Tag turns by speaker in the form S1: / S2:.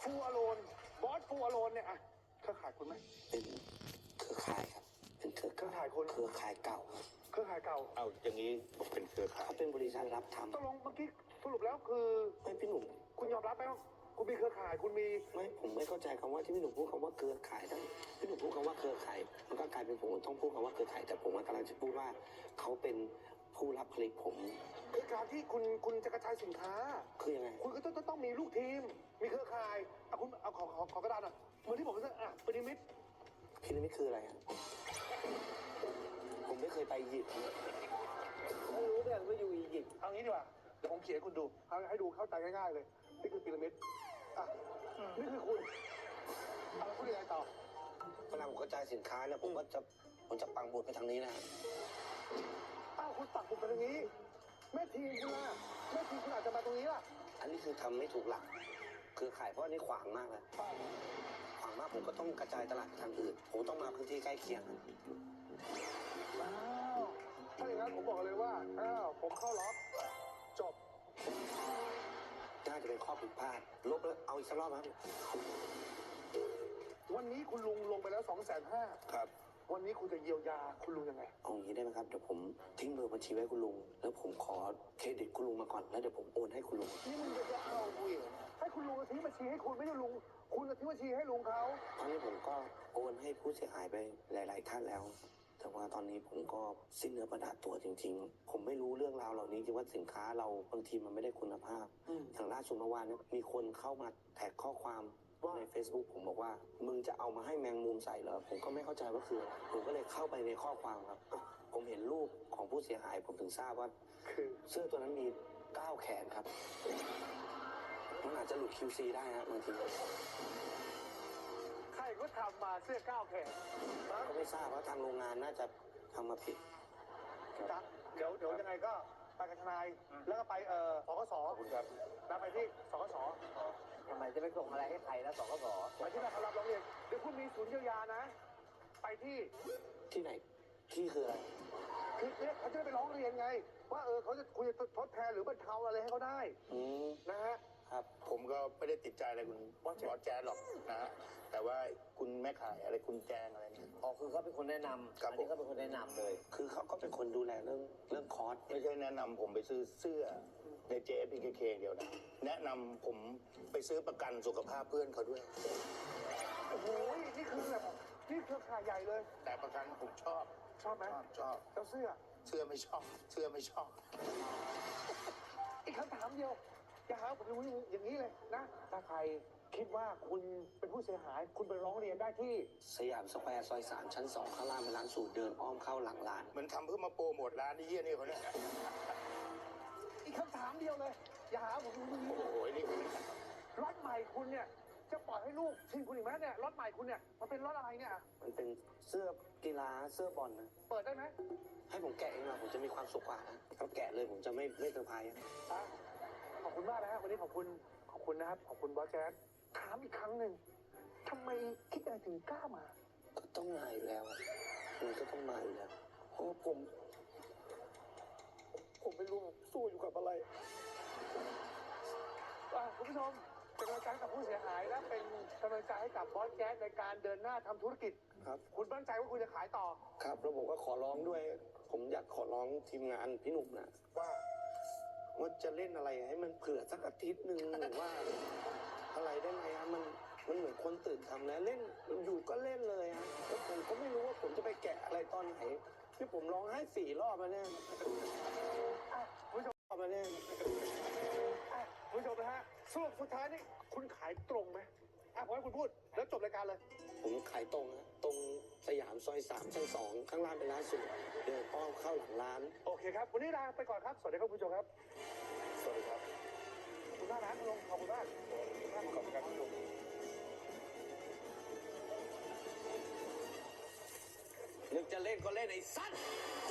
S1: ฟูอโลนบอสฟูอโลนเนี่ยอะเครือข่ายคุณไหม
S2: เป็นเครือข่ายครับเป็นเครือข่ายคนเครือข่ายเก่า
S1: เครือข่ายเก่า
S3: เอาอย่างนี้ผมเป็นเครือข่าย
S2: เขาเป็นบริษัทรับทำ
S1: ตกลงเมื่อกี้สรุปแล้วคือ
S2: ไม่พี่หนุ่ม
S1: คุณยอมรับไหมว่าคุณมีเครือข่ายคุณมี
S2: ไม่ผมไม่เข้าใจคำว่าที่พี่หนุ่มพูดคำว่าเครือข่ายทั้งพี่หนุ่มพูดคำว่าเครือข่ายมันก็กลายเป็นผมต้องพูดคำว่าเครือข่ายแต่ผมกำลังจะพูดว่าเขาเป็นผู้รับผลิตผม
S1: คือการที่คุณจะกระจายสินค้า
S2: คือยังไง
S1: คุณก็ต้องมีลูกทีมมีเครือข่ายคุณเอาขอกระดานอ่ะเหมือนที่ผมจะพีระมิด
S2: คืออะไรครับผมไม่เคยไปอียิปต์
S1: ไม่รู้เนี่ยว่าอยู่อียิปต์เอางี้ดีกว่าเดี๋ยวผมเขียนให้คุณดูให้ดูเข้าใจง่ายๆเลยนี่คือพีระมิดนี่คือคุณพูดยังไงต่อ
S2: เวลาผมกระจายสินค้าเนี่ยผมจะปังบุญไปทางนี้นะ
S1: คุณปักบุญไปทางนี้แม่ทีมคุณล่ะแม่ทีมคุณอาจจะมาตรงนี้ล่ะ
S2: อันนี้คือทำไม่ถูกหลักเครือข่ายเพราะอันนี้ขวางมากเลยขวางมากผมก็ต้องกระจายตลาดไปทางอื่นผมต้องมาพื้นที่ใกล้เคียง
S1: ถ้าอย่างนั้นผมบอกเลยว่าผมเข้าล็อกจบ
S2: น่าจะเป็นข้อผิดพลาดลบแล้วเอาอีกสักรอบครับ
S1: วันนี้คุณลุงลงไปแล้ว250,000
S2: ครับ
S1: วันนี้คุณจะเยียวยาคุณลุงยังไง
S2: เอาอย่างนี้ได้ไหมครับเดี๋ยวผมทิ้งเบอร์บัญชีไว้คุณลุงแล้วผมขอเครดิตคุณลุงมาก่อนแล้วเดี๋ยวผมโอนให้คุณลุง
S1: นี่มึงจะเอาคุยให้คุณลุงทิ้งบัญชีให้คุณไม่ใช่ลุงคุณจะทิ้งบัญชีให้ลุงเขา
S2: ตอนนี้ผมก็โอนให้ผู้เสียหายไปหลายๆท่านแล้วแต่ว่าตอนนี้ผมก็สิ้นเนื้อประดาตัวจริงๆผมไม่รู้เรื่องราวเหล่านี้จริงว่าสินค้าเราบางทีมันไม่ได้คุณภาพอย่างล่าสุดเมื่อวานนี้มีคนเข้ามาแท็กข้อความใน Facebook ผมบอกว่ามึงจะเอามาให้แมงมุมใส่เหรอผมก็ไม่เข้าใจว่าคืออะไรผมก็เลยเข้าไปในข้อความครับผมเห็นรูปของผู้เสียหายผมถึงทราบว่าคือเสื้อตัวนั้นมี9 แขนครับมันอาจจะหลุด QC ได้ฮะบางที
S1: ใครก็ทำมาเสื้อ9 แขน
S2: ก็ไม่ทราบว่าทางโรงงานน่าจะทำมาผิด
S1: เดี๋ยวยังไงก็ไปกับทนายแล้วก็ไปสกส
S3: คุณครับ
S1: แล้วไปที่สกส
S4: ทำไมจะไปส่งอะไรให้ใครแล้วสกส
S1: ไปที่นั่นเขารับร้องเรียนเดี๋ยวคุณมีศูนย์เยียวยานะไป
S2: ที่ไหนที่คืออะไร
S1: คือเนี่ยเขาจะได้ไปร้องเรียนไงว่าเขาจะคุยทดแทนหรือบรรเทาอะไรให้เขาได้นะฮะ
S3: ครับผมก็ไม่ได้ติดใจอะไรคุณบอสแจ๊ดหรอกนะฮะแต่ว่าคุณแม่ขายอะไรคุณแจงอะไรเนี่ย
S4: คือเขาเป็นคนแนะนำอันนี้เขาเป็นคนแนะนำเลย
S2: คือเขาก็เป็นคนดูแลเรื่องคอร์ส
S3: ไม่ใช่แนะนำผมไปซื้อเสื้อใน JFPKK เดียวนะแนะนำผมไปซื้อประกันสุขภาพเพื่อนเขาด้วย
S1: โอ้โหนี่คือแบบนี่เครือข่ายใหญ่เลย
S3: แต่ประกันผมชอบ
S1: ไหม
S3: ชอบ
S1: แล้วเสื้อ
S3: ไม่ชอบ
S1: อีกคำถามเดียวอย่าหาผมรู้อย่างนี้เลยนะถ้าใครคิดว่าคุณเป็นผู้เสียหายคุณไปร้องเรียนได้ที่
S2: สยามสแควร์ซอย3ชั้น2ข้างล่างเป็นร้านสูตรเดินอ้อมเข้าหลังร้าน
S3: มันทำเพื่อมาโปรโมทร้านนี้เยี่ยนี่เขาเนี่ย
S1: อีกคำถามเดียวเลยอย่าหาผมรู้
S3: โอ้โหนี่คุณ
S1: รถใหม่คุณเนี่ยจะปล่อยให้ลูกทิ้งคุณอีกไหมเนี่ยรถใหม่คุณเนี่ยมันเป็นรถอะไรเนี่ย
S2: มันเป็นเสื้อกีฬาเสื้อบอลนะ
S1: เปิดได้ไหม
S2: ให้ผมแกะเองหน่อยผมจะมีความสุขกว่านะถ้าแกะเลยผมจะไม่เซอร์ไพรส์
S1: ขอบคุณมากนะฮะวันนี้ขอบคุณนะครับขอบคุณบอสแจ๊ดถามอีกครั้งหนึ่งทำไมคิดอะไรถึงกล้ามา
S2: ก็ต้องมาอยู่แล้วมันก็ต้องมาอยู่แล้วเพราะผมไม่รู้สู้อยู่กับอะไร
S1: คุณผู้ชมเป็นกำลังใจกับผู้เสียหายและเป็นกำลังใจให้กับบอสแจ๊ดในการเดินหน้าทำธุรกิจ
S2: ครับ
S1: คุณมั่นใจว่าคุณจะขายต่อ
S2: ครับแล้วผมก็ขอร้องด้วยผมอยากขอร้องทีมงานพี่หนุ่มนะว่าจะเล่นอะไรให้มันเผื่อสักอาทิตย์หนึ่งหรือว่าอะไรได้ไหมฮะมันเหมือนคนตื่นทำแล้วเล่นอยู่ก็เล่นเลยฮะแล้วผมก็ไม่รู้ว่าผมจะไปแกะอะไรตอนไหนที่ผมร้องให้4 รอบมาแน่
S1: คุณผู้ชม
S2: มาแน่
S1: คุณผู้ชมนะฮะสรุปสุดท้ายนี่คุณขายตรงไหมผมให้คุณพูดแล้วจบรายการเลย
S2: ผมขายตรงฮะตรงสยามซอย3ชั้น2ข้างล่างเป็นร้านสูตรเดินอ้อมเข้าหลังร้าน
S1: โอเคครับวันนี้ลาไปก่อนครับสวัสดีครับคุณผู้ชมครับ
S3: สวัสดีครับ
S1: ขอบคุณมากนะคุณลุงขอบคุณมากขอบคุณครับคุณลุง
S2: นึกจะเล่นก็เล่นไอ้สัตว์